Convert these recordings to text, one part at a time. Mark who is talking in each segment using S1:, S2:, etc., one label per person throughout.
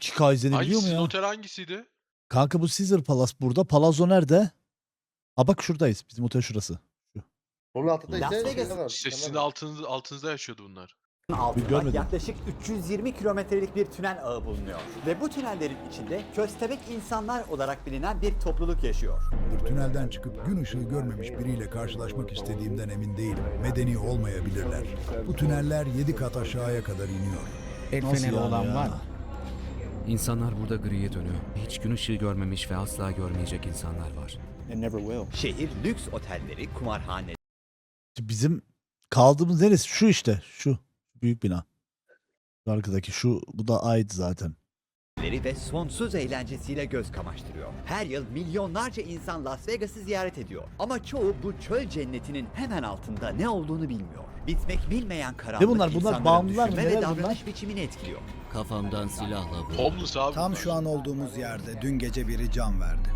S1: 2 Kaizen'i
S2: Hangi
S1: biliyor mu
S2: sizin
S1: ya?
S2: otel hangisiydi?
S1: Kanka bu Caesar Palace burada. Palazzo nerede? Ha bak şuradayız. Bizim otel şurası. Şu.
S3: Onun altında
S4: Las
S3: ise
S4: Vegas-
S3: şeyler var.
S2: İşte sizin
S3: dükkanlar var.
S2: altınızda yaşıyordu bunlar.
S4: altında
S1: görmedim.
S4: yaklaşık 320 kilometrelik bir tünel ağı bulunuyor. Ve bu tünellerin içinde köstebek insanlar olarak bilinen bir topluluk yaşıyor.
S5: Tünelden çıkıp gün ışığı görmemiş biriyle karşılaşmak istediğimden emin değilim. Medeni olmayabilirler. Bu tüneller 7 kat aşağıya kadar iniyor.
S6: El
S1: Nasıl
S6: feneri
S1: yani
S6: olan
S1: ya?
S6: var mı?
S7: İnsanlar burada griye dönüyor. Hiç gün ışığı görmemiş ve asla görmeyecek insanlar var.
S4: Şehir lüks otelleri, kumarhaneleri
S1: Bizim kaldığımız neresi? Şu işte. Şu. Büyük bina. Şu arkadaki şu. Bu da ait zaten.
S4: ve sonsuz eğlencesiyle göz kamaştırıyor. Her yıl milyonlarca insan Las Vegas'ı ziyaret ediyor. Ama çoğu bu çöl cennetinin hemen altında ne olduğunu bilmiyor. Bitmek bilmeyen karanlık
S1: bunlar? Bunlar
S4: insanların
S1: bağımlılar mı?
S4: düşünme ve
S1: Neler
S4: davranış
S1: bunlar?
S4: biçimini etkiliyor.
S7: Kafamdan silahla vurdum.
S2: Homeless abi
S8: Tam
S2: bunlar.
S8: şu an olduğumuz yerde dün gece biri can verdi.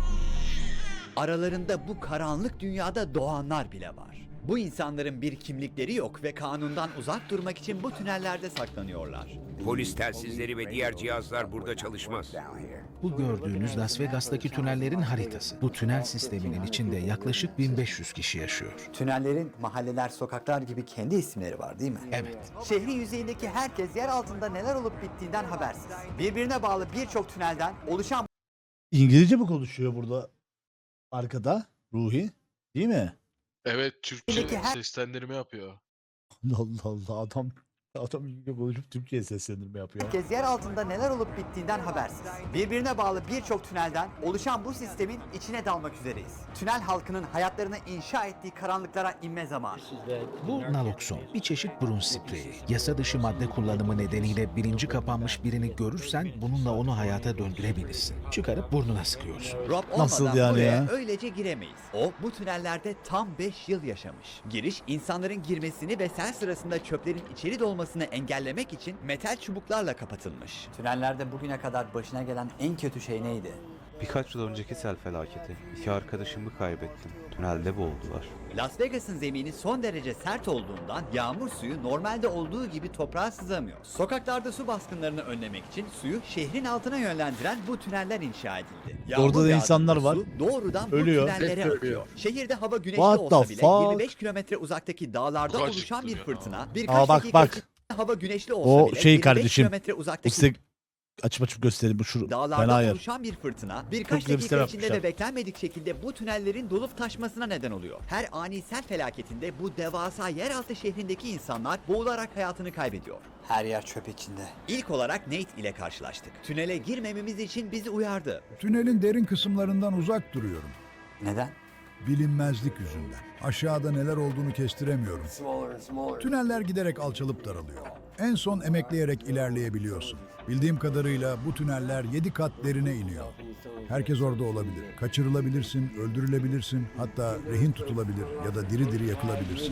S4: Aralarında bu karanlık dünyada doğanlar bile var. Bu insanların bir kimlikleri yok ve kanundan uzak durmak için bu tünellerde saklanıyorlar.
S9: Polis telsizleri ve diğer cihazlar burada çalışmaz.
S6: Bu gördüğünüz Las Vegas'taki tünellerin haritası. Bu tünel sisteminin içinde yaklaşık 1500 kişi yaşıyor.
S4: Tünellerin mahalleler, sokaklar gibi kendi isimleri var değil mi?
S6: Evet.
S4: Şehrin yüzeyindeki herkes yer altında neler olup bittiğinden habersiz. Birbirine bağlı birçok tünelden oluşan
S1: İngilizce mi konuşuyor burada? Arkada. Ruhi. Değil mi?
S2: Evet, Türkçe
S4: Peki her-
S2: seslendirme yapıyor.
S1: Allah Allah adam İngilizce konuşup Türkçe'ye seslendirme yapıyor.
S4: herkes yer altında neler olup bittiğinden habersiz. Birbirine bağlı birçok tünelden oluşan bu sistemin içine dalmak üzereyiz. Tünel halkının hayatlarını inşa ettiği karanlıklara inme zamanı.
S6: Bu nalokson, bir çeşit burun spreyi. Yasa dışı madde kullanımı nedeniyle bilinci kapanmış birini görürsen bununla onu hayata döndürebilirsin. Çıkarıp burnuna sıkıyorsun.
S4: Rob
S1: Nasıl
S4: olmadan
S1: yani
S4: buraya
S1: ya?
S4: öylece giremeyiz. O bu tünellerde tam 5 yıl yaşamış. Giriş insanların girmesini ve sel sırasında çöplerin içeri dolmasını engellemek için metal çubuklarla kapatılmış. Tünellerde bugüne kadar başına gelen en kötü şey neydi?
S10: Birkaç yıl önceki sel felaketi. 2 arkadaşımı kaybettim. Tünelde boğuldular.
S4: Las Vegas'ın zemini son derece sert olduğundan yağmur suyu normalde olduğu gibi toprağa sızamıyor. Sokaklarda su baskınlarını önlemek için suyu şehrin altına yönlendiren bu tüneller inşa edildi. Yağmur
S1: Orada da insanlar
S4: yağdığında
S1: var.
S4: su doğrudan
S1: Ölüyor.
S4: bu tünellere
S2: Hep
S4: akıyor. Şehirde hava güneşli
S1: What
S4: olsa
S1: the
S4: bile
S1: fuck?
S4: 25 kilometre uzaktaki dağlarda
S2: Çok
S4: oluşan bir
S2: acıktım ya.
S4: fırtına
S1: Aa,
S4: birkaç
S1: bak,
S4: dakika
S1: bak.
S4: içinde hava güneşli olsa
S1: O
S4: bile
S1: şey
S4: 25
S1: kardeşim.
S4: kilometre
S1: Bu
S4: uzaktaki
S1: size açıp göstereyim. Bu şu fena
S4: dağlarda
S1: yer.
S4: oluşan bir fırtına birkaç
S1: güzel bir sistem
S4: dakika içinde
S1: yapmışlar.
S4: de beklenmedik şekilde bu tünellerin dolup taşmasına neden oluyor. Her ani sel felaketinde bu devasa yeraltı şehrindeki insanlar boğularak hayatını kaybediyor. Her yer çöp içinde. İlk olarak Nate ile karşılaştık. Tünele girmememiz için bizi uyardı.
S5: Tünelin derin kısımlarından uzak duruyorum.
S4: Neden?
S5: Bilinmezlik yüzünden. Aşağıda neler olduğunu kestiremiyorum. Tüneller giderek alçalıp daralıyor. En son emekleyerek ilerleyebiliyorsun. Bildiğim kadarıyla bu tüneller 7 kat derine iniyor. Herkes orada olabilir. Kaçırılabilirsin, öldürülebilirsin, hatta rehin tutulabilir ya da diri diri yakılabilirsin.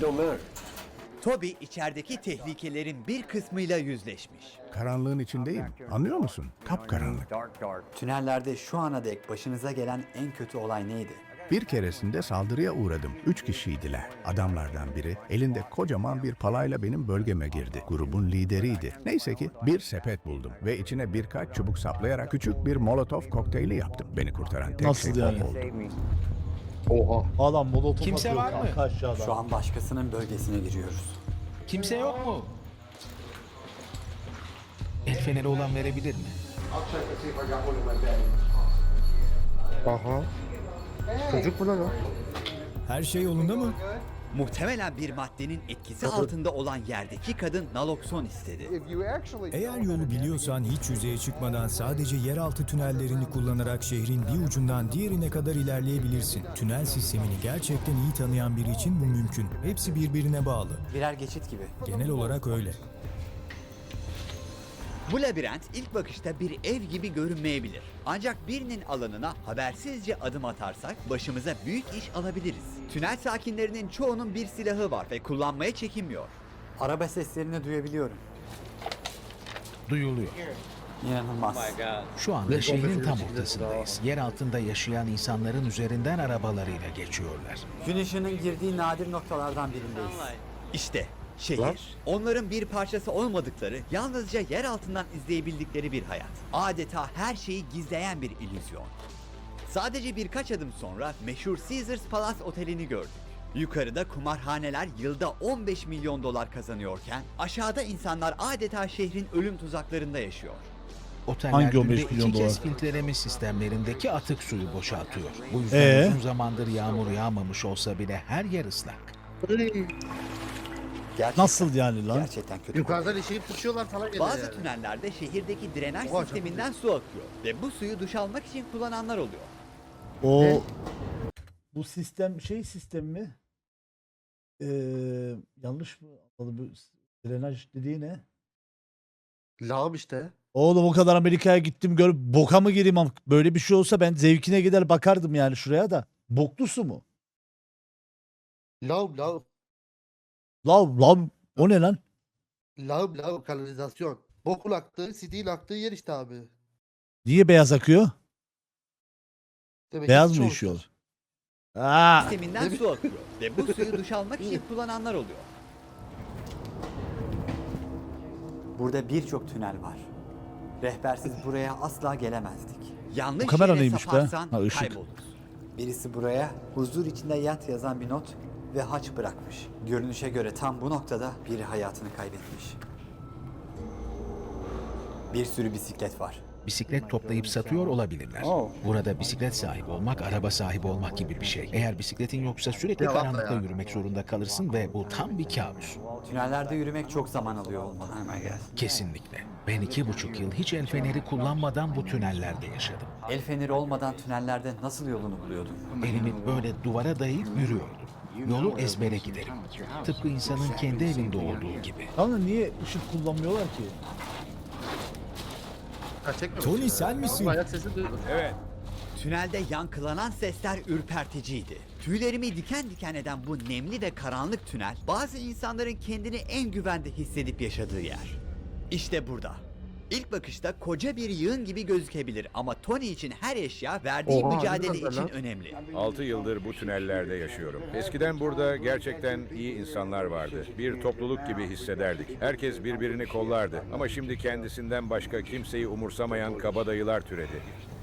S4: Toby içerideki tehlikelerin bir kısmıyla yüzleşmiş.
S8: Karanlığın içindeyim. Anlıyor musun? Kapkaranlık.
S4: Tünellerde şu ana dek başınıza gelen en kötü olay neydi?
S8: Bir keresinde saldırıya uğradım. 3 kişiydiler. Adamlardan biri elinde kocaman bir palayla benim bölgeme girdi. Grubun lideriydi. Neyse ki bir sepet buldum ve içine birkaç çubuk saplayarak küçük bir molotof kokteyli yaptım. Beni kurtaran tek
S1: Nasıl
S8: şey
S1: yani?
S8: o oldu.
S3: Oha.
S1: Adam molotof
S6: Kimse
S1: atıyor
S6: var mı?
S1: kanka aşağıda.
S4: Şu an başkasının bölgesine giriyoruz.
S6: Kimse yok mu? El feneri olan verebilir mi?
S3: Aha. Çocuk mu lan o?
S8: Her şey yolunda mı?
S4: Muhtemelen bir maddenin etkisi altında olan yerdeki kadın nalokson istedi.
S8: Eğer yolu biliyorsan hiç yüzeye çıkmadan sadece yeraltı tünellerini kullanarak şehrin bir ucundan diğerine kadar ilerleyebilirsin. Tünel sistemini gerçekten iyi tanıyan biri için bu mümkün. Hepsi birbirine bağlı.
S4: Birer geçit gibi.
S8: Genel olarak öyle.
S4: Bu labirent ilk bakışta bir ev gibi görünmeyebilir. Ancak birinin alanına habersizce adım atarsak başımıza büyük iş alabiliriz. Tünel sakinlerinin çoğunun bir silahı var ve kullanmaya çekinmiyor. Araba seslerini duyabiliyorum.
S6: Duyuluyor.
S4: İnanılmaz.
S6: Şu anda şehrin tam ortasındayız. Yer altında yaşayan insanların üzerinden arabalarıyla geçiyorlar.
S4: Gün ışığının girdiği nadir noktalardan birindeyiz. İşte Şehir,
S3: Lan.
S4: onların bir parçası olmadıkları, yalnızca yer altından izleyebildikleri bir hayat. Adeta her şeyi gizleyen bir illüzyon. Sadece birkaç adım sonra meşhur Caesars Palace Oteli'ni gördük. Yukarıda kumarhaneler yılda 15 milyon dolar kazanıyorken aşağıda insanlar adeta şehrin ölüm tuzaklarında yaşıyor.
S6: Oteller
S1: Hangi 15
S6: günde
S1: milyon
S6: 2 kez
S1: dolar?
S6: filtreleme sistemlerindeki atık suyu boşaltıyor. Bu yüzden
S1: Ee?
S6: uzun zamandır yağmur yağmamış olsa bile her yer ıslak.
S4: Gerçekten,
S1: Nasıl yani lan?
S4: Gerçekten kötü.
S3: Yukarıdan işeyip tutuyorlar falan geliyor
S4: Bazı
S3: yani.
S4: tünellerde şehirdeki drenaj
S3: Oha, çok
S4: sisteminden su akıyor ve bu suyu duş almak için kullananlar oluyor.
S1: O
S3: Ne?
S1: bu sistem sistem mi? Yanlış mı? Bu drenaj dediği ne?
S3: Lağım işte.
S1: Oğlum o kadar Amerika'ya gittim görüp boka mı gireyim? Böyle bir şey olsa ben zevkine gider bakardım yani şuraya da. Boklu su mu?
S3: Lağım.
S1: Lan o ne lan?
S3: Lağım kanalizasyon. Bokun aktığı, sidiğin aktığı yer işte abi.
S1: Niye beyaz akıyor?
S3: Demek ki
S1: Beyaz
S3: hiç
S1: mı
S3: olmaz.
S1: işiyor? Aa,
S4: Sisteminden su akıyor ve bu suyu duş almak için kullananlar oluyor. Burada birçok tünel var. Rehbersiz buraya asla gelemezdik. Yanlış
S1: Bu kamera
S4: yere
S1: neymiş be?
S4: saparsan
S1: Ha, ışık.
S4: kayboluruz. Birisi buraya huzur içinde yat yazan bir not ve haç bırakmış. Görünüşe göre tam bu noktada biri hayatını kaybetmiş. Bir sürü bisiklet var.
S6: Bisiklet toplayıp satıyor olabilirler. Burada bisiklet sahibi olmak, araba sahibi olmak gibi bir şey. Eğer bisikletin yoksa sürekli
S3: Ya bak
S6: karanlıkta
S3: ya.
S6: yürümek zorunda kalırsın ve bu tam bir kabus.
S4: Tünellerde yürümek çok zaman alıyor olmalı.
S6: Kesinlikle. Ben 2,5 yıl hiç el feneri kullanmadan bu tünellerde yaşadım.
S4: El feneri olmadan tünellerde nasıl yolunu buluyordun?
S6: Elimi böyle duvara dayayıp yürüyordum. Yolu ezbere giderim. Tıpkı insanın kendi evinde olduğu gibi.
S1: Kanka niye ışık kullanmıyorlar ki?
S3: Tony sen misin? Ayak sesi duydum.
S4: Tünelde yankılanan sesler ürperticiydi. Tüylerimi diken diken eden bu nemli ve karanlık tünel, bazı insanların kendini en güvende hissedip yaşadığı yer. İşte burada. İlk bakışta koca bir yığın gibi gözükebilir ama Tony için her eşya verdiği
S3: Oha,
S4: mücadele
S3: ne kadar
S4: için
S3: lan?
S4: önemli.
S9: 6 yıldır bu tünellerde yaşıyorum. Eskiden burada gerçekten iyi insanlar vardı. Bir topluluk gibi hissederdik. Herkes birbirini kollardı. Ama şimdi kendisinden başka kimseyi umursamayan kabadayılar türedi.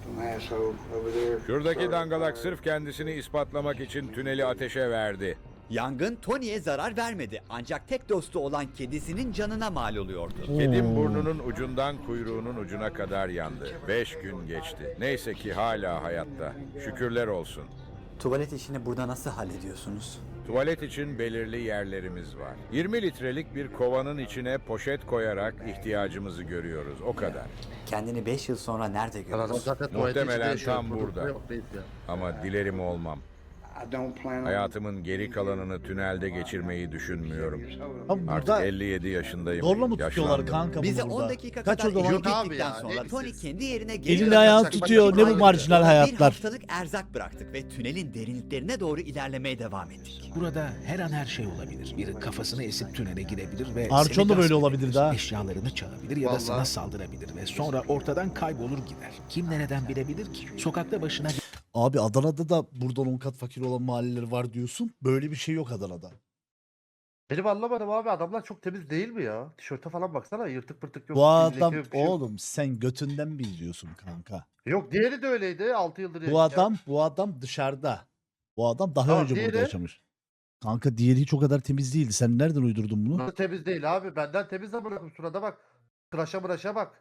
S9: Şuradaki dangalak sırf kendisini ispatlamak için tüneli ateşe verdi.
S4: Yangın Tony'ye zarar vermedi ancak tek dostu olan kedisinin canına mal oluyordu.
S9: Kedim burnunun ucundan kuyruğunun ucuna kadar yandı. 5 gün geçti. Neyse ki hala hayatta. Şükürler olsun.
S4: Tuvalet işini burada nasıl hallediyorsunuz?
S9: Tuvalet için belirli yerlerimiz var. 20 litrelik bir kovanın içine poşet koyarak ihtiyacımızı görüyoruz. O kadar.
S4: Kendini 5 yıl sonra nerede
S3: Adam
S4: görüyorsun?
S3: zaten tuvalete
S9: Muhtemelen
S3: içinde yaşıyor.
S9: tam
S3: Produkta
S9: burada.
S3: yok, reis ya.
S9: Ama dilerim olmam. Hayatımın geri kalanını tünelde geçirmeyi düşünmüyorum.
S1: Abi
S9: Artık
S1: burada
S9: 57 yaşındayım.
S1: zorla mı tutuyorlar
S9: Yaşlandım.
S1: kanka
S4: Bize
S1: bunu
S4: 10
S1: burada?
S4: dakika
S1: Kaç
S4: kadar
S1: o zaman?
S3: Yok
S4: eşlik
S3: abi
S4: ettikten
S3: ya,
S4: sonra
S3: ne
S4: Tony
S3: siz?
S4: kendi yerine
S1: Elini
S4: geri
S1: ayağını
S3: Başka
S1: tutuyor. Ne bu
S3: bir
S1: marjinal
S4: Bir
S1: hayatlar?
S4: haftalık erzak bıraktık ve tünelin derinliklerine doğru ilerlemeye devam ettik.
S6: Burada her an her şey olabilir. Biri kafasını esip tünele girebilir ve
S1: Arçon
S6: seni
S1: da böyle
S6: gasp
S1: olabilir
S6: edebilir.
S1: daha.
S6: Eşyalarını çalabilir ya da
S3: Vallahi.
S6: sana saldırabilir ve sonra ortadan kaybolur gider. Kim nereden bilebilir ki? Sokakta başına
S1: Abi Adana'da da buradan 10 kat fakir olan mahalleler var diyorsun. Böyle bir şey yok Adana'da.
S3: Benim anlamadım abi, adamlar çok temiz değil mi ya? Tişörte falan baksana, yırtık pırtık yok.
S1: Bu
S3: bir leke
S1: adam
S3: yok, bir şey yok.
S1: oğlum sen götünden mi izliyorsun kanka?
S3: Yok, diğeri de öyleydi 6 yıldır.
S1: Bu adam dışarıda. Bu adam daha
S3: Tamam,
S1: önce burada
S3: diğeri?
S1: yaşamış. Kanka diğeri hiç o kadar temiz değildi. Sen nereden uydurdun bunu?
S3: Nasıl temiz değil abi? Benden temiz de bırakın, şurada bak. Tıraşa bak.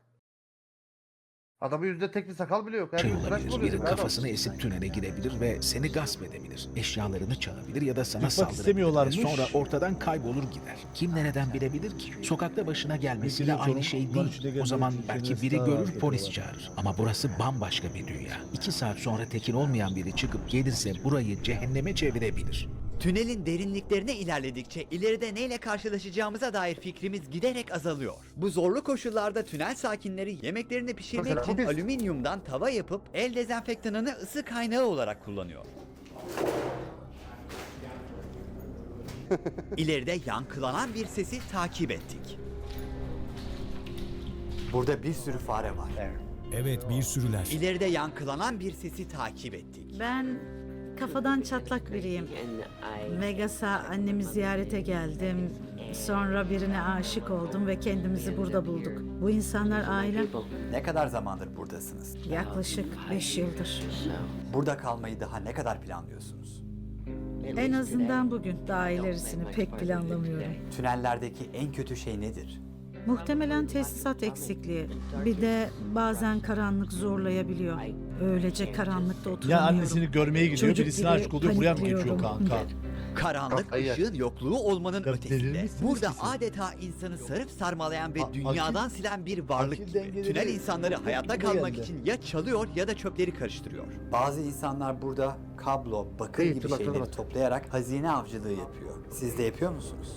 S3: Adamın yüzünde tek bir sakal bile yok. Her
S6: şey
S3: gün tıraş mı
S6: olabilir.
S3: oluyorsun
S6: Biri
S3: adam?
S6: kafasını esip tünele girebilir ve seni gasp edebilir. Eşyalarını çalabilir ya da sana
S1: Yıkmak
S6: saldırabilir ve
S1: istemiyorlarmış.
S6: sonra ortadan kaybolur gider. Kim nereden bilebilir ki? Sokakta başına gelmesi de
S1: Biliyorum
S6: aynı
S1: canım.
S6: şey
S1: Bunların
S6: değil.
S1: içinde
S6: O
S1: gelmek
S6: zaman
S1: için
S6: belki
S1: kendine
S6: biri
S1: daha
S6: görür
S1: rahat
S6: polis
S1: yapıyorlar.
S6: çağırır. Ama burası bambaşka bir dünya. 2 saat sonra tekin olmayan biri çıkıp gelirse burayı cehenneme çevirebilir.
S4: Tünelin derinliklerine ilerledikçe ileride neyle karşılaşacağımıza dair fikrimiz giderek azalıyor. Bu zorlu koşullarda tünel sakinleri yemeklerini pişirmek
S3: Mesela
S4: için
S3: biz-
S4: alüminyumdan tava yapıp el dezenfektanını ısı kaynağı olarak kullanıyor. İleride yankılanan bir sesi takip ettik. Burada bir sürü fare var.
S11: Evet, bir sürüler.
S4: İleride yankılanan bir sesi takip ettik.
S12: Ben kafadan çatlak biriyim. Vegas'a annemi ziyarete geldim. Sonra birine aşık oldum ve kendimizi burada bulduk. Bu insanlar ailem.
S4: Ne kadar zamandır buradasınız?
S12: Yaklaşık 5 yıldır.
S4: Burada kalmayı daha ne kadar planlıyorsunuz?
S12: En azından bugün. Daha ilerisini pek planlamıyorum.
S4: Tünellerdeki en kötü şey nedir?
S12: Muhtemelen tesisat eksikliği. Bir de bazen karanlık zorlayabiliyor. Öylece karanlıkta
S1: Ya
S12: oturamıyorum.
S1: annesini görmeye gidiyor,
S12: Çocuk
S1: birisine
S12: gibi
S1: aşık oluyor, buraya mı geçiyor
S12: panikliyorum.
S1: kanka?
S4: Karanlık
S3: Kafayı yer.
S4: ışığın yokluğu olmanın
S1: Ya
S4: ötesinde.
S1: delirmişsiniz
S4: Burada
S1: ki siz.
S4: adeta insanı sarıp sarmalayan ve
S1: A-
S4: dünyadan
S1: akil-
S4: silen bir varlık
S1: akil
S4: gibi.
S1: dengeleri
S4: Tünel insanları
S1: çok
S4: hayatta
S1: yerinde
S4: kalmak
S1: geldi.
S4: için ya çalıyor ya da çöpleri karıştırıyor. Bazı insanlar burada kablo, bakır
S3: İyi,
S4: gibi
S3: tırnak,
S4: şeyleri
S3: tırnak.
S4: toplayarak hazine avcılığı yapıyor. Siz de yapıyor musunuz?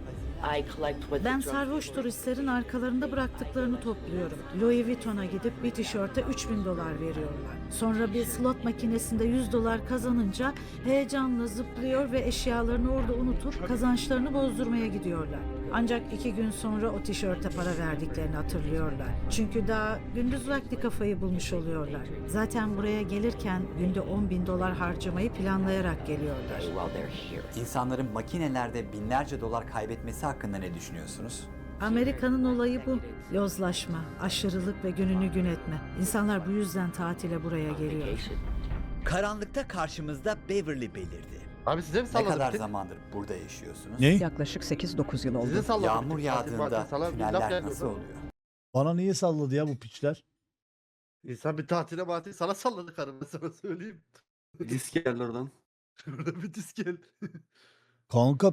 S12: Ben sarhoş turistlerin arkalarında bıraktıklarını topluyorum. Louis Vuitton'a gidip bir tişörte $3.000 veriyorlar. Sonra bir slot makinesinde $100 kazanınca heyecanla zıplıyor ve eşyalarını orada unutup kazançlarını bozdurmaya gidiyorlar. Ancak 2 gün sonra o tişörte para verdiklerini hatırlıyorlar. Çünkü daha gündüz vakti kafayı bulmuş oluyorlar. Zaten buraya gelirken günde $10.000 harcamayı planlayarak geliyorlar.
S4: İnsanların makinelerde binlerce dolar kaybetmesi hakkında ne düşünüyorsunuz?
S12: Amerika'nın olayı bu. Yozlaşma, aşırılık ve gününü gün etme. İnsanlar bu yüzden tatile buraya geliyor.
S4: Karanlıkta karşımızda Beverly belirdi.
S3: Abi size mi
S4: Ne
S3: salladım?
S4: kadar zamandır burada yaşıyorsunuz?
S1: Ne?
S13: Yaklaşık 8-9 yıl
S3: Size
S13: oldu.
S3: salladım.
S4: Yağmur
S3: Tatil, tatil,
S4: yağdığında
S3: salam, bir laf
S4: tüneller
S3: gelmiyor.
S4: nasıl oluyor?
S1: Bana niye salladı ya bu piçler?
S3: İnsan bir tatile matile sana salladı karım, ben sana söyleyeyim.
S10: Disk geldi oradan.
S3: Şurada bir disk gel.
S1: Kanka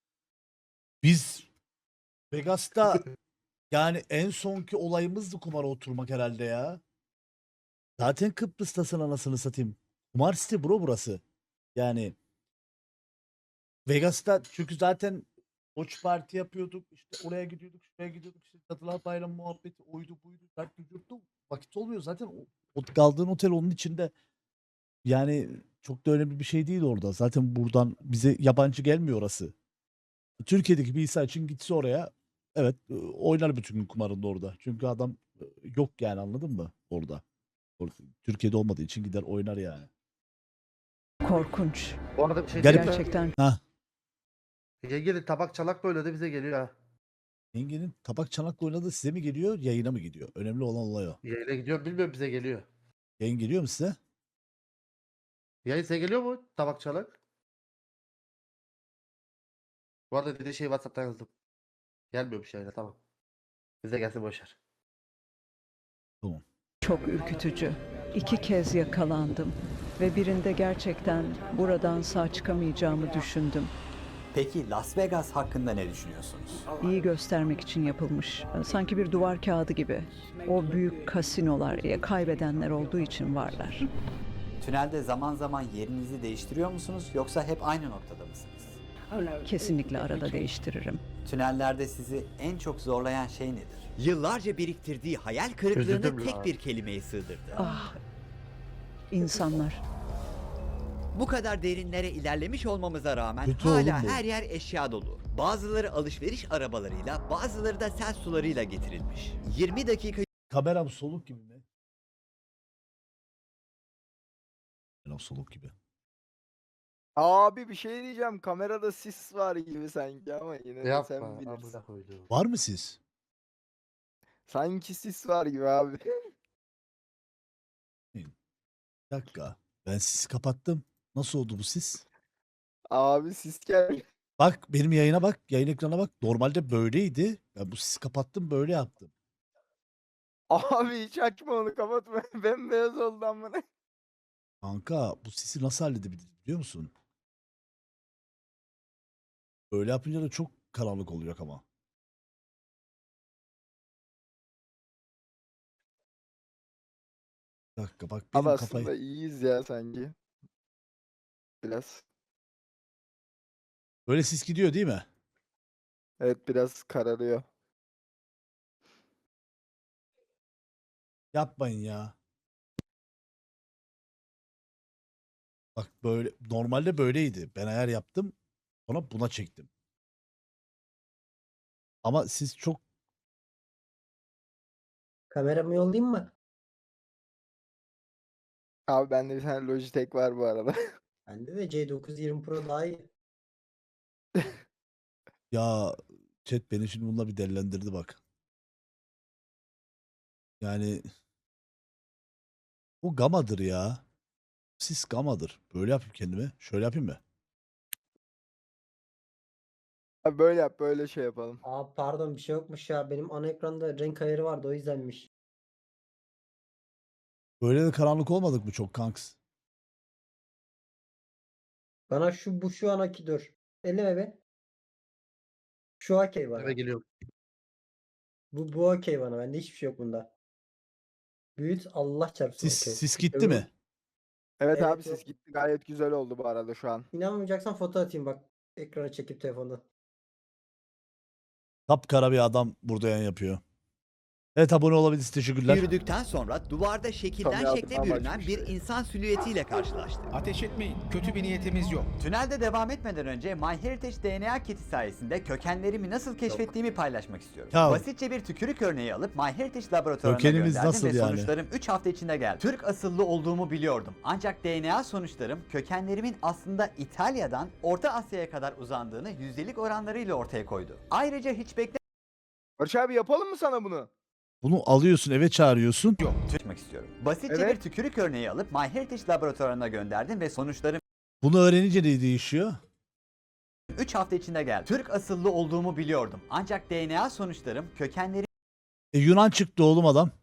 S1: biz Vegas'ta yani en sonki olayımızdı kumara oturmak herhalde ya. Zaten Kıbrıs'tasın anasını satayım. Kumar site bro burası. Yani Vegas'ta çünkü zaten Watch Party yapıyorduk. İşte oraya gidiyorduk, şuraya gidiyorduk. İşte Cadılar Bayramı muhabbeti oydu buydu. Dertli yurttu. Vakit olmuyor zaten. O kaldığın otel onun içinde. Yani çok da önemli bir şey değil orada. Zaten buradan bize yabancı gelmiyor orası. Türkiye'deki bir insan için gitse oraya evet oynar bütün gün kumarında orada. Çünkü adam yok yani anladın mı orada. Türkiye'de olmadığı için gider oynar yani.
S13: Korkunç.
S3: Bu arada bir şey
S1: Garip.
S3: diyeyim mi?
S13: Gerçekten
S3: Yengenin tabak çalak böyle de bize geliyor ha.
S1: Yengenin tabak çanakla oynadığı size mi geliyor, yayına mı gidiyor? Önemli olan olay o.
S3: Yayına gidiyor bilmiyorum, bize geliyor.
S1: Yayın geliyor mu size?
S3: Yayın size geliyor mu tabak çalak? Bu arada dediği şey WhatsApp'tan yazdım. Gelmiyormuş yayına, tamam. Bize gelsin boşver.
S13: çok ürkütücü. 2 kez yakalandım ve birinde gerçekten buradan sağ çıkamayacağımı düşündüm.
S4: Peki Las Vegas hakkında ne düşünüyorsunuz?
S13: İyi göstermek için yapılmış. Sanki bir duvar kağıdı gibi. O büyük kasinolar kaybedenler olduğu için varlar.
S4: Tünelde zaman zaman yerinizi değiştiriyor musunuz yoksa hep aynı noktada mısınız?
S13: Kesinlikle arada değiştiririm.
S4: Tünellerde sizi en çok zorlayan şey nedir? Yıllarca biriktirdiği hayal
S3: Üzüldüm
S4: kırıklığını
S3: la.
S4: tek bir kelimeye sığdırdı.
S13: Ah, insanlar.
S4: Bu kadar derinlere ilerlemiş olmamıza rağmen
S1: Kötü oğlum
S4: hala
S1: bu.
S4: her yer eşya dolu. Bazıları alışveriş arabalarıyla, bazıları da sel sularıyla getirilmiş. 20 dakika
S1: Kameram soluk gibi mi? Kameram soluk gibi.
S14: Abi bir şey diyeceğim. Kamerada sis var gibi sanki ama yine de
S3: Yapma.
S14: sen bilirsin.
S3: Amına koyduğum.
S1: Var mı siz?
S14: Sanki sis var gibi abi.
S1: Bir dakika. Ben sisi kapattım. Nasıl oldu bu sis?
S14: Abi sis geldi.
S1: Bak benim yayına bak. Yayın ekrana bak. Normalde böyleydi. Ben bu sisi kapattım böyle yaptım.
S14: Abi hiç açma onu, kapatma. Bembeyaz oldu amına.
S1: Kanka bu sisi nasıl halledebiliriz biliyor musun? Böyle yapınca da çok karanlık olacak ama. Bir dakika bak
S14: Abi
S1: benim
S14: aslında
S1: kafayı.
S14: iyiyiz ya sanki. Biraz.
S1: Böyle sis gidiyor değil mi?
S14: Evet, biraz kararıyor.
S1: Yapmayın ya. Bak böyle normalde böyleydi. Ben ayar yaptım. Sonra buna çektim. Ama siz çok
S15: Kameramı yollayayım mı?
S14: Abi bende bir tane Logitech var bu arada.
S15: Bende de C920 Pro daha iyi.
S1: ya Chat beni şimdi bununla bir delilendirdi bak. Yani o gamadır ya. Sis gamadır. Böyle yapayım kendime. Şöyle yapayım mı?
S14: Abi böyle yap, böyle şey yapalım.
S15: Aa pardon bir şey yokmuş ya. Benim ana ekranda renk ayarı vardı o yüzdenmiş.
S1: Böyle de karanlık olmadık mı çok kanks?
S15: Bana şu anaki dur. Elleme be. Şu okey bana.
S3: Eve geliyorum.
S15: Bu okey bana. Bende hiçbir şey yok bunda. Büyüt Allah çarpsın okey.
S1: Sis gitti
S15: Öbür-
S1: mi?
S14: Evet,
S15: Evet,
S14: abi, siz gitti, gayet güzel oldu bu arada şu an.
S15: İnanmayacaksan foto atayım bak. Ekrana çekip telefondan.
S1: Kapkara bir adam burada yayın yapıyor. Evet abone olabilirsiniz. Teşekkürler.
S4: Yürüdükten sonra duvarda şekilden
S14: Tabii
S4: şekle
S14: adam
S4: bürünen
S14: açmış
S4: bir
S14: be.
S4: insan silüetiyle karşılaştık.
S6: Ateş etmeyin. Kötü bir niyetimiz yok.
S4: Tünelde devam etmeden önce MyHeritage DNA kiti sayesinde kökenlerimi nasıl keşfettiğimi paylaşmak istiyorum.
S1: Ya.
S4: Basitçe bir tükürük örneği alıp MyHeritage laboratuvarına
S1: Kökenimiz
S4: gönderdim
S1: nasıl
S4: ve
S1: yani?
S4: sonuçlarım 3 hafta içinde geldi. Türk asıllı olduğumu biliyordum. Ancak DNA sonuçlarım kökenlerimin aslında İtalya'dan Orta Asya'ya kadar uzandığını yüzdelik oranlarıyla ortaya koydu. Ayrıca hiç
S14: Barış abi, yapalım mı sana bunu?
S1: Bunu alıyorsun eve çağırıyorsun.
S4: beklemek istiyorum. Basitçe
S14: Evet.
S4: bir tükürük örneği alıp MyHeritage laboratuvarına gönderdim ve sonuçlarım
S1: Bunu öğrenince ne değişiyor?
S4: 3 hafta içinde geldi. Türk asıllı olduğumu biliyordum. Ancak DNA sonuçlarım kökenlerimin
S1: Yunan çıktı oğlum adam.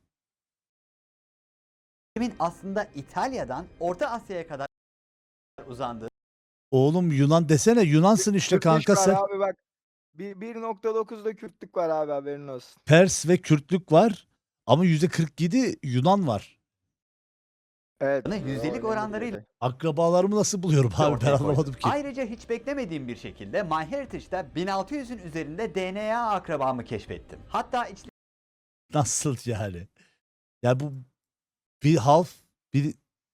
S4: aslında İtalya'dan Orta Asya'ya kadar uzandığı
S1: Oğlum Yunan desene. Yunansın işte
S14: Kürtlük
S1: kanka
S14: var
S1: sen.
S14: abi bak. 1.9'da Kürtlük var abi, haberin olsun.
S1: Pers ve Kürtlük var. Ama %47 Yunan var.
S14: Evet.
S4: yüzdelik oranlarıyla
S1: Akrabalarımı nasıl buluyorum abi ben
S4: ortaya koydu.
S1: anlamadım ki.
S4: Ayrıca hiç beklemediğim bir şekilde MyHeritage'da 1600'ün üzerinde DNA akrabamı keşfettim. Hatta
S1: Nasıl yani? Ya bu bir half bir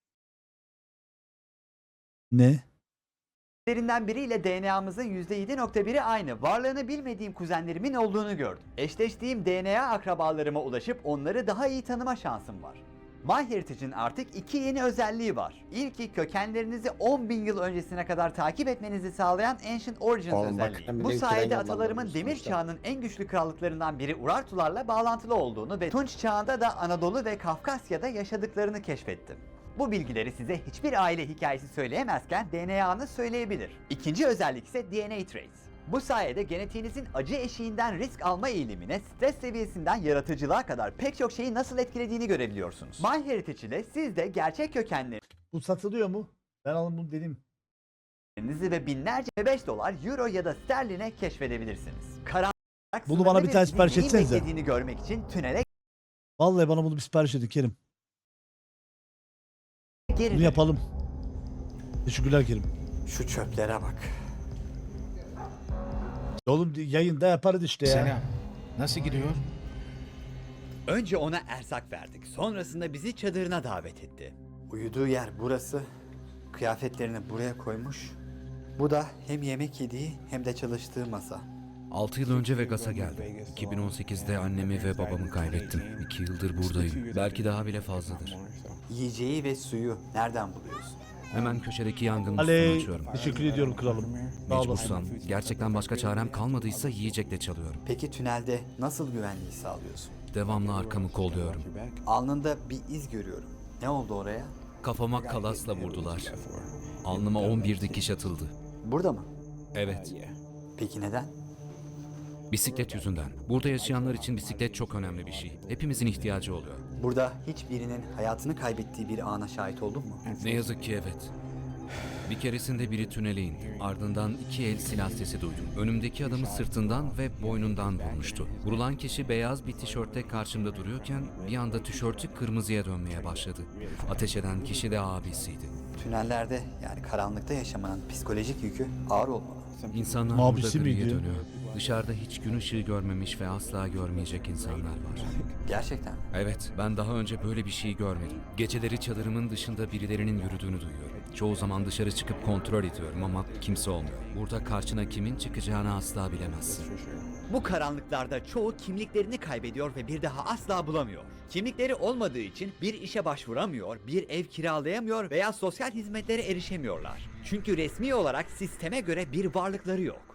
S1: ne?
S4: içlerinden biriyle DNA'mızın %7.1'i aynı. Varlığını bilmediğim kuzenlerimin olduğunu gördüm. Eşleştiğim DNA akrabalarıma ulaşıp onları daha iyi tanıma şansım var. MyHeritage'in artık 2 yeni özelliği var. İlki kökenlerinizi 10.000 yıl öncesine kadar takip etmenizi sağlayan Ancient Origins
S15: Oğlum bak,
S4: özelliği.
S15: hem
S4: Bu
S15: de ülkeden
S4: sayede
S15: yollanmamış
S4: atalarımın demir
S15: sonuçta.
S4: çağının en güçlü krallıklarından biri Urartularla bağlantılı olduğunu ve Tunç çağında da Anadolu ve Kafkasya'da yaşadıklarını keşfettim. Bu bilgileri size hiçbir aile hikayesi söyleyemezken DNA'nız söyleyebilir. İkinci özellik ise DNA Trace. Bu sayede genetiğinizin acı eşiğinden risk alma eğilimine, stres seviyesinden yaratıcılığa kadar pek çok şeyi nasıl etkilediğini görebiliyorsunuz. MyHeritage ile siz de gerçek kökenlerinizi
S1: Bu satılıyor mu? Ben alın bunu dedim.
S4: ve binlerce $5, euro ya da sterline keşfedebilirsiniz. Karanlık
S1: Bunu bana bir tane
S4: sınırlı ve
S1: sipariş
S4: neyin
S1: etsenize.
S4: beklediğini görmek için tünele
S1: Vallahi bana bunu bir sipariş edin Kerim.
S4: geri
S1: Bunu
S4: dönün.
S1: yapalım. Teşekkürler Kerim.
S4: Şu çöplere bak.
S1: Oğlum yayında yaparız işte ya.
S6: Selam. Nasıl gidiyor?
S4: Önce ona erzak verdik. Sonrasında bizi çadırına davet etti. Uyuduğu yer burası. Kıyafetlerini buraya koymuş. Bu da hem yemek yediği hem de çalıştığı masa.
S7: 6 yıl önce Vegas'a geldim. 2018'de annemi ve babamı kaybettim. 2 yıldır buradayım. Belki daha bile fazladır.
S4: Yiyeceği ve suyu nereden buluyorsun?
S7: Hemen köşedeki yangın musluğunu
S1: Aley,
S7: açıyorum.
S1: teşekkür ediyorum kralım. Sağ olasın.
S7: Mecbursam, gerçekten başka çarem kalmadıysa yiyecekle çalıyorum.
S4: Peki tünelde nasıl güvenliği sağlıyorsun?
S7: Devamlı arkamı kolluyorum.
S4: Alnında bir iz görüyorum. Ne oldu oraya?
S7: Kafama kalasla vurdular. Alnıma 11 dikiş atıldı.
S4: Burada mı?
S7: Evet,
S4: Peki neden?
S7: bisiklet yüzünden. Burada yaşayanlar için bisiklet çok önemli bir şey. Hepimizin ihtiyacı oluyor.
S4: Burada hiçbirinin hayatını kaybettiği bir ana şahit oldun mu?
S7: Ne yazık ki evet. Bir keresinde biri tünele indi. Ardından 2 el silah sesi duydum. Önümdeki adamı sırtından ve boynundan vurmuştu. Vurulan kişi beyaz bir tişörtte karşımda duruyorken bir anda tişörtü kırmızıya dönmeye başladı. Ateş eden kişi de abisiydi.
S4: Tünellerde yani karanlıkta yaşamanın psikolojik yükü ağır olmalı.
S7: İnsanlar
S1: Abisi
S7: burada griye
S1: miydi?
S7: dönüyor. Dışarıda hiç gün ışığı görmemiş ve asla görmeyecek insanlar var.
S4: Gerçekten.
S7: Evet, ben daha önce böyle bir şey görmedim. Geceleri çadırımın dışında birilerinin yürüdüğünü duyuyorum. Çoğu zaman dışarı çıkıp kontrol ediyorum ama kimse olmuyor. Burada karşına kimin çıkacağını asla bilemezsin.
S4: Bu karanlıklarda çoğu kimliklerini kaybediyor ve bir daha asla bulamıyor. Kimlikleri olmadığı için bir işe başvuramıyor, bir ev kiralayamıyor veya sosyal hizmetlere erişemiyorlar. Çünkü resmi olarak sisteme göre bir varlıkları yok.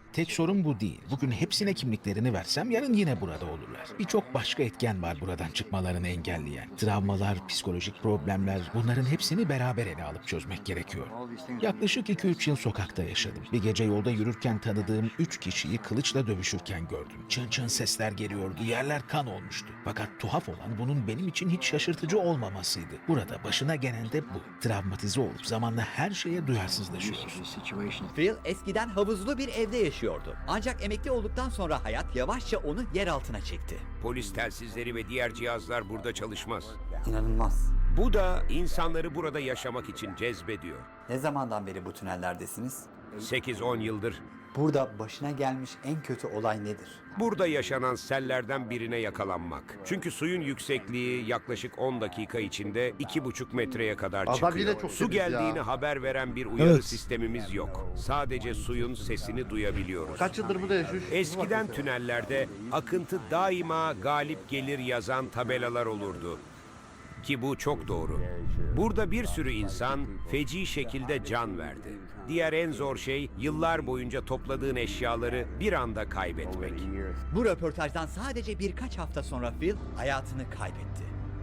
S6: Tek sorun bu değil. Bugün hepsine kimliklerini versem yarın yine burada olurlar. Birçok başka etken var buradan çıkmalarını engelleyen. Travmalar, psikolojik problemler, bunların hepsini beraber ele alıp çözmek gerekiyor. Yaklaşık 2-3 yıl sokakta yaşadım. Bir gece yolda yürürken tanıdığım 3 kişiyi kılıçla dövüşürken gördüm. Çın çın sesler geliyordu, yerler kan olmuştu. Fakat tuhaf olan bunun benim için hiç şaşırtıcı olmamasıydı. Burada başına gelen de bu. Travmatize olup zamanla her şeye duyarsızlaşıyoruz.
S4: Phil eskiden havuzlu bir evde yaşıyordu. Ancak emekli olduktan sonra hayat yavaşça onu yer altına çekti.
S16: Polis telsizleri ve diğer cihazlar burada çalışmaz.
S4: İnanılmaz.
S16: Bu da insanları burada yaşamak için cezbediyor.
S4: Ne zamandan beri bu tünellerdesiniz?
S16: 8-10 yıldır.
S4: Burada başına gelmiş en kötü olay nedir?
S16: Burada yaşanan sellerden birine yakalanmak. Çünkü suyun yüksekliği yaklaşık 10 dakika içinde 2,5 metreye kadar
S3: Adam
S16: çıkıyor.
S3: yine çok
S16: Su
S3: temiz ya.
S16: geldiğini haber veren bir uyarı
S1: Evet.
S16: sistemimiz yok. Sadece suyun sesini duyabiliyoruz.
S3: Kaç yıldır burada yaşıyor?
S16: Eskiden tünellerde akıntı daima galip gelir yazan tabelalar olurdu. Ki bu çok doğru. Burada bir sürü insan feci şekilde can verdi. Diğer en zor şey yıllar boyunca topladığın eşyaları bir anda kaybetmek.
S4: Bu röportajdan sadece birkaç hafta sonra Phil hayatını kaybetti.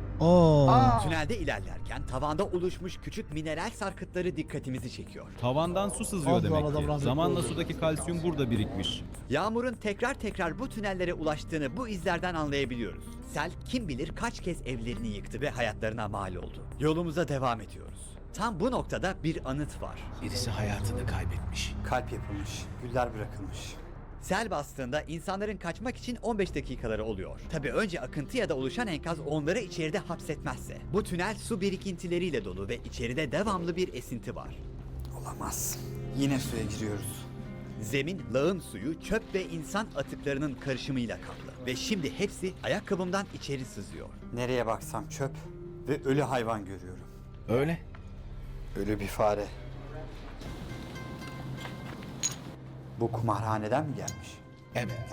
S4: Tünelde ilerlerken tavanda oluşmuş küçük mineral sarkıtları dikkatimizi çekiyor.
S11: Tavandan su sızıyor demek ki. Zamanla sudaki kalsiyum burada birikmiş.
S4: Yağmurun tekrar bu tünellere ulaştığını bu izlerden anlayabiliyoruz. Sel kim bilir kaç kez evlerini yıktı ve hayatlarına mal oldu. Yolumuza devam ediyoruz. Tam bu noktada bir anıt var.
S6: Birisi hayatını kaybetmiş.
S4: Kalp yapılmış, güller bırakılmış. Sel bastığında insanların kaçmak için 15 dakikaları oluyor. Tabii önce akıntı ya da oluşan enkaz onları içeride hapsetmezse. Bu tünel su birikintileriyle dolu ve içeride devamlı bir esinti var. Olamaz. Yine suya giriyoruz. Zemin, lağım suyu, çöp ve insan atıklarının karışımıyla kaplı. Ve şimdi hepsi ayakkabımdan içeri sızıyor. Nereye baksam çöp ve ölü hayvan görüyorum.
S6: Öyle.
S4: Ölü bir fare. Bu kumarhaneden mi gelmiş?
S6: Evet.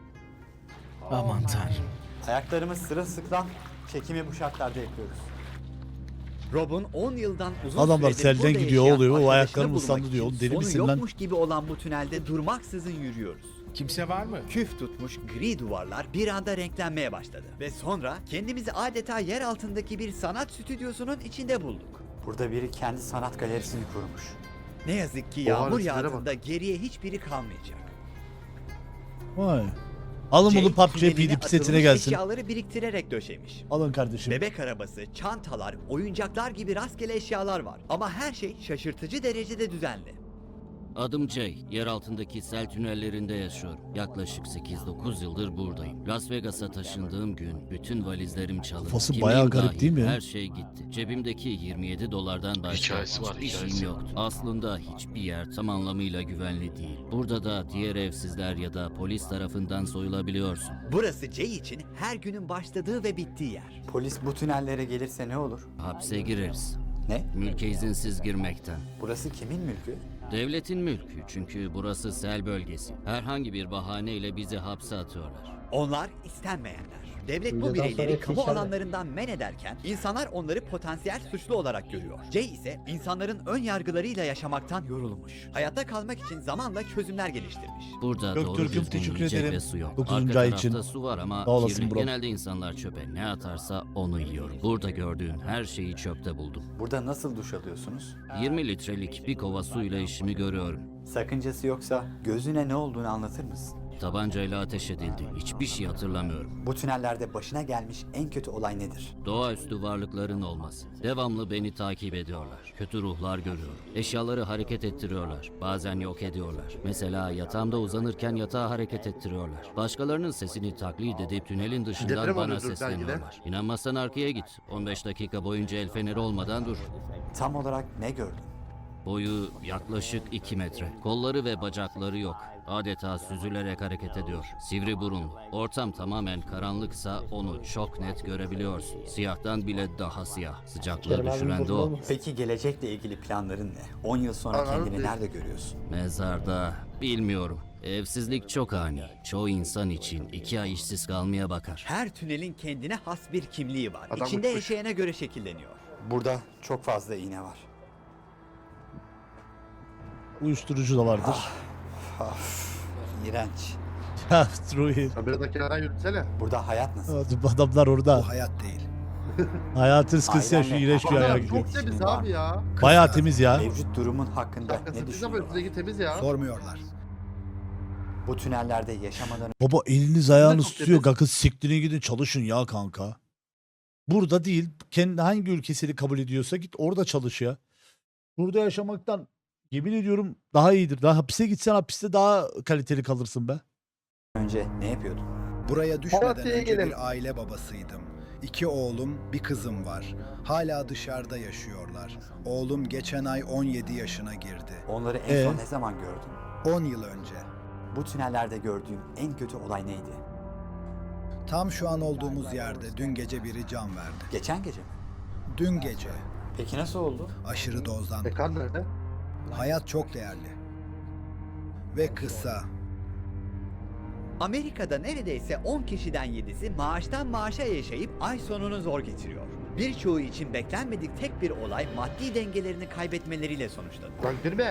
S6: Aman tanrım.
S4: Ayaklarımız sırılsıklam, çekimi bu şartlarda yapıyoruz. Rob'un 10 yıldan uzun
S1: Adamlar
S4: süredir
S1: selden
S4: burada
S1: gidiyor,
S4: yaşayan
S1: oluyor, o
S4: arkadaşını
S1: ayaklarım
S4: bulmak
S1: ıslandı diyor.
S4: için
S1: Oğlum deli
S4: sonu
S1: misin lan?
S4: yokmuş gibi olan bu tünelde durmaksızın yürüyoruz.
S6: Kimse var mı?
S4: Küf tutmuş gri duvarlar bir anda renklenmeye başladı. Ve sonra kendimizi adeta yer altındaki bir sanat stüdyosunun içinde bulduk. Burada biri kendi sanat galerisini kurmuş. Ne yazık ki yağmur
S3: resimlere bak.
S4: yağdığında geriye hiçbiri kalmayacak.
S1: Vay. Alın bunu
S4: Jay,
S1: PUBG
S4: tüneline
S1: PD setine
S4: atılmış
S1: gelsin.
S4: eşyaları biriktirerek döşemiş.
S1: Alın kardeşim.
S4: Bebek arabası, çantalar, oyuncaklar gibi rastgele eşyalar var. Ama her şey şaşırtıcı derecede düzenli.
S17: Adım Jay. Yer altındaki sel tünellerinde yaşıyorum. Yaklaşık 8-9 yıldır buradayım. Las Vegas'a taşındığım gün bütün valizlerim çalındı.
S1: Kafası
S17: Kimliğim
S1: bayağı garip
S17: dahil
S1: değil mi?
S17: Her şey gitti. Cebimdeki 27 dolardan başka
S2: Hikayesi var,
S17: hiçbir
S2: hikayesi.
S17: şeyim yoktu. Aslında hiçbir yer tam anlamıyla güvenli değil. Burada da diğer evsizler ya da polis tarafından soyulabiliyorsun.
S4: Burası Jay için her günün başladığı ve bittiği yer. Polis bu tünellere gelirse ne olur?
S17: Hapse gireriz.
S4: Ne?
S17: Mülke izinsiz girmekten.
S4: Burası kimin mülkü?
S17: Devletin mülkü, çünkü burası sel bölgesi. Herhangi bir bahaneyle bizi hapse atıyorlar.
S4: Onlar istenmeyenler. Devlet bu
S15: Videodan
S4: bireyleri
S15: sonra
S4: kamu
S15: klişeler.
S4: alanlarından men ederken insanlar onları potansiyel suçlu olarak görüyor. Jay ise insanların ön yargılarıyla yaşamaktan yorulmuş. Hayatta kalmak için zamanla çözümler geliştirmiş.
S17: Burada doğru
S1: Göktürk'üm
S17: düzgün
S1: teşekkür
S17: yiyecek
S1: ederim.
S17: ve su yok.
S1: 9.
S17: Arka
S1: ay
S17: tarafta
S1: için.
S17: su var ama
S1: Sağ olasın
S17: kirli.
S1: bro.
S17: Genelde insanlar çöpe ne atarsa onu yiyor. Burada gördüğün her şeyi çöpte buldum.
S4: Burada nasıl duş alıyorsunuz?
S17: 20 litrelik bir kova suyla işimi görüyorum.
S4: Sakıncası yoksa gözüne ne olduğunu anlatır mısın?
S17: Tabancayla ateş edildi. Hiçbir şey hatırlamıyorum.
S4: Bu tünellerde başına gelmiş en kötü olay nedir?
S17: Doğaüstü varlıkların olması. Devamlı beni takip ediyorlar. Kötü ruhlar görüyorum. Eşyaları hareket ettiriyorlar. Bazen yok ediyorlar. Mesela yatağımda uzanırken yatağı hareket ettiriyorlar. Başkalarının sesini taklit edip tünelin dışından
S3: Deprem
S17: bana
S3: oluyordur belki de.
S17: sesleniyorlar. İnanmazsan arkaya git. 15 dakika boyunca el feneri olmadan dur.
S4: Tam olarak ne gördün?
S17: Boyu yaklaşık 2 metre. Kolları ve bacakları yok. Adeta süzülerek hareket ediyor. Sivri burunlu. Ortam tamamen karanlıksa onu çok net görebiliyorsun. Siyahtan bile daha siyah. Sıcaklığı düşüren de o.
S4: Peki gelecekle ilgili planların ne? 10 yıl sonra
S3: Anladım.
S4: kendini nerede görüyorsun?
S17: Mezarda bilmiyorum. Evsizlik çok ani. Çoğu insan için 2 ay işsiz kalmaya bakar.
S4: Her tünelin kendine has bir kimliği var.
S3: Adam
S4: İçinde
S3: uçmuş.
S4: yaşayana göre şekilleniyor. Burada çok fazla iğne var.
S1: Uyuşturucu da vardır.
S4: İğrenç.
S1: Ya Ruhi.
S3: Sen biraz da kenara yürütsene.
S4: Burada hayat nasıl?
S1: Bu adamlar orada.
S8: Bu hayat değil.
S1: Hayatın sıkıntısı ya şu
S4: Ailenle
S1: iğrenç bir
S3: Baksana,
S1: ayara gidiyor.
S3: çok temiz abi ya.
S1: Bayağı temiz ya.
S4: Mevcut durumun hakkında
S3: Şapkası
S4: ne
S3: pis ama
S4: düşünüyorlar?
S3: üstündeki temiz ya.
S8: Sormuyorlar.
S4: Bu tünellerde yaşamadan
S1: Baba eliniz ayağınız
S3: çok
S1: tutuyor.
S3: temiz.
S1: Kanka siktirin gidin çalışın ya kanka. Burada değil. Kendi hangi ülkesini kabul ediyorsa git orada çalış ya. Burada yaşamaktan yemin ediyorum daha iyidir. Daha hapise gitsen hapiste daha kaliteli kalırsın be.
S4: önce ne yapıyordun?
S8: Buraya düşmeden
S3: Malatya'ya
S8: önce
S3: gelin.
S8: bir aile babasıydım. 2 oğlum, bir kızım var. Hala dışarıda yaşıyorlar. Oğlum geçen ay 17 yaşına girdi.
S4: Onları en son ne zaman gördün?
S8: 10 yıl önce.
S4: Bu tünellerde gördüğün en kötü olay neydi?
S8: Tam şu an olduğumuz yerde dün gece biri can verdi.
S4: Geçen gece mi?
S8: Dün gece.
S4: Peki nasıl oldu?
S8: Aşırı dozdan.
S3: Kan nerede?
S8: Hayat çok değerli. Ve kısa.
S4: Amerika'da neredeyse 10 kişiden 7'si maaştan maaşa yaşayıp ay sonunu zor geçiriyor. Birçoğu için beklenmedik tek bir olay maddi dengelerini kaybetmeleriyle sonuçlandı.
S3: Lan girme.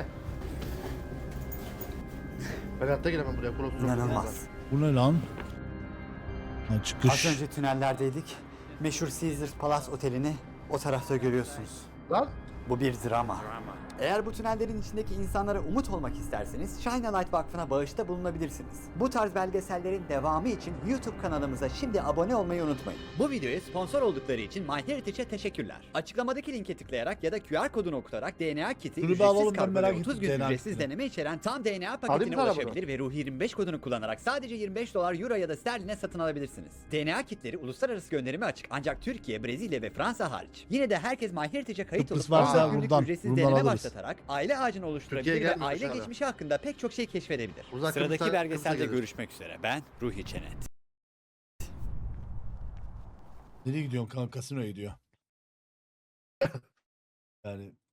S3: Ben hayatta giremem buraya. Burası çok
S4: İnanılmaz.
S1: Bu ne lan? Ha,
S4: Az
S1: çıkış.
S4: önce tünellerdeydik. Meşhur Caesars Palace Oteli'ni o tarafta görüyorsunuz.
S3: Lan.
S4: Bu bir drama. Eğer bu tünellerin içindeki insanlara umut olmak isterseniz Shine a Light Vakfı'na bağışta bulunabilirsiniz. Bu tarz belgesellerin devamı için YouTube kanalımıza şimdi abone olmayı unutmayın. Bu videoya sponsor oldukları için MyHeritage'e teşekkürler. Açıklamadaki linke tıklayarak ya da QR kodunu okutarak DNA kiti,
S1: Şunu bir
S4: ücretsiz
S1: alalım, ben
S4: kargo
S1: merak
S4: ve 30
S1: ettim
S4: gün
S1: DNA
S4: ücretsiz
S1: kitini.
S4: deneme içeren tam DNA
S3: Alayım
S4: paketine
S3: sana bunu.
S4: ulaşabilir ve Ruhi 25 kodunu kullanarak sadece 25 dolar, euro ya da sterline satın alabilirsiniz. DNA kitleri uluslararası gönderime açık ancak Türkiye, Brezilya ve Fransa hariç. Yine de herkes MyHeritage'e kayıt
S1: Kıbrıs
S4: olup
S1: varsa
S4: 30 günlük
S1: buradan,
S4: ücretsiz
S1: buradan
S4: deneme
S1: alırız.
S4: başlatarak aile ağacını oluşturabilir
S3: Türkiye'ye
S4: ve
S3: gelmiyor
S4: aile
S3: dışarıda.
S4: geçmişi hakkında pek çok şey keşfedebilir.
S3: Uzak
S4: Sıradaki
S3: Kıbrıs'a-
S4: belgeselde
S3: Kıbrıs'a gelir.
S4: görüşmek üzere. Ben Ruhi Çenet.
S1: Nereye gidiyorsun kanka? Kasinoya gidiyor. Yani